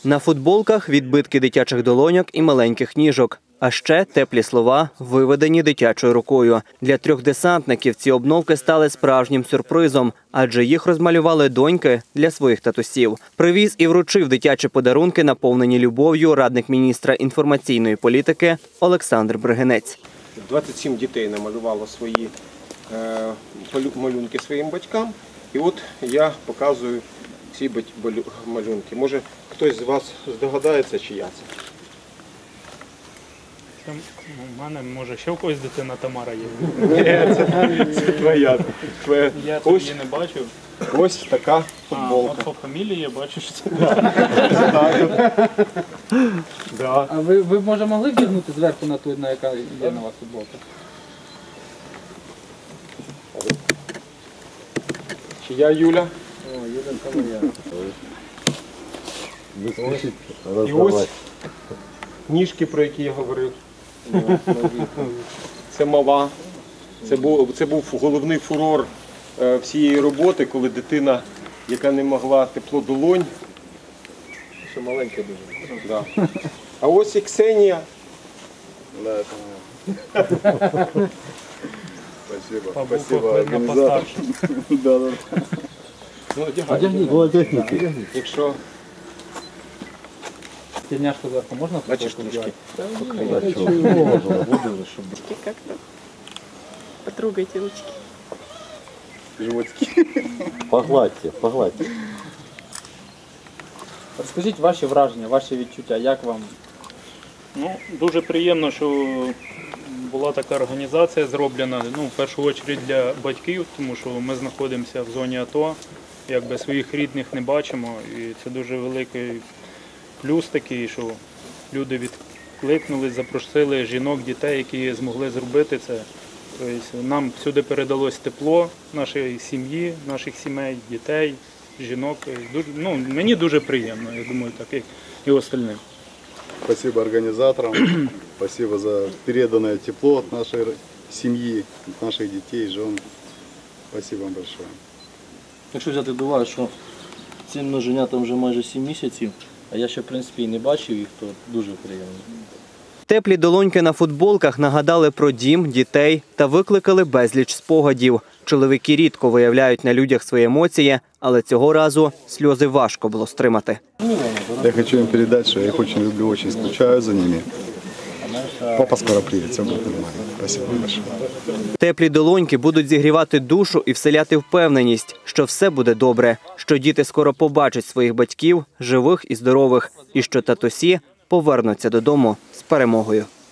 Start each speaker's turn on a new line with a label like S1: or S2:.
S1: На футболках відбитки дитячих долоньок і маленьких ніжок. А ще теплі слова, виведені дитячою рукою. Для 3 десантників ці обновки стали справжнім сюрпризом, адже їх розмалювали доньки для своїх татусів. Привіз і вручив дитячі подарунки, наповнені любов'ю, радник міністра інформаційної політики Олександр Бригинець.
S2: 27 дітей намалювало свої малюнки своїм батькам. І от я показую ці малюнки. Може, хтось з вас здогадається, чия це?
S3: У мене, може, ще в когось дитина Тамара є.
S2: Ні, це твоя.
S3: Я тут її не бачив.
S2: Ось така футболка.
S3: А по фамілії я бачу, що це.
S4: А ви, може, могли вдягнути зверху на ту, на яка є на вас футболка?
S2: Чия Юля?
S4: О, Юля, це моя.
S2: І ось ніжки, про які я говорив. Це мала. Це був головний фурор всієї роботи, коли дитина, яка не могла тепло долонь, ще маленька дуже. Да. А ось і Ксенія.
S3: Спасибо, організатор.
S2: Одягніть. Якщо...
S4: Тельняшку зверху можна?
S2: Бачиш, трішки.
S5: Как-то потрогайте ручки.
S2: Животики.
S6: Погладьте, погладьте.
S4: Розкажіть ваші враження, ваші відчуття, як вам?
S3: Ну, дуже приємно, що була така організація зроблена, в першу чергу для батьків, тому що ми знаходимося в зоні АТО, якби своїх рідних не бачимо, і це дуже великий плюс такий, що люди відкликнулись, запросили жінок, дітей, які змогли зробити це. Тобто нам всюди передалось тепло нашої сім'ї, наших сімей, дітей, жінок. Мені дуже приємно, я думаю, так як і остальним.
S6: Спасибо организаторам, спасибо за переданное тепло от нашей семьи, от наших детей, жен. Спасибо вам большое.
S7: Якщо взяти до уваги, що цим множенятам вже майже 7 місяців, а я ще, в принципі, і не бачив їх, то дуже приємно.
S1: Теплі долоньки на футболках нагадали про дім, дітей та викликали безліч спогадів. Чоловіки рідко виявляють на людях свої емоції, але цього разу сльози важко було стримати.
S6: Я хочу им передать, что я их очень люблю, очень скучаю за ними. Папа скоро приедет, все будет нормально. Спасибо большое.
S1: Теплі долоньки будуть зігрівати душу і вселяти впевненість, що все буде добре, що діти скоро побачать своїх батьків, живих і здорових, і що татусі повернуться додому з перемогою.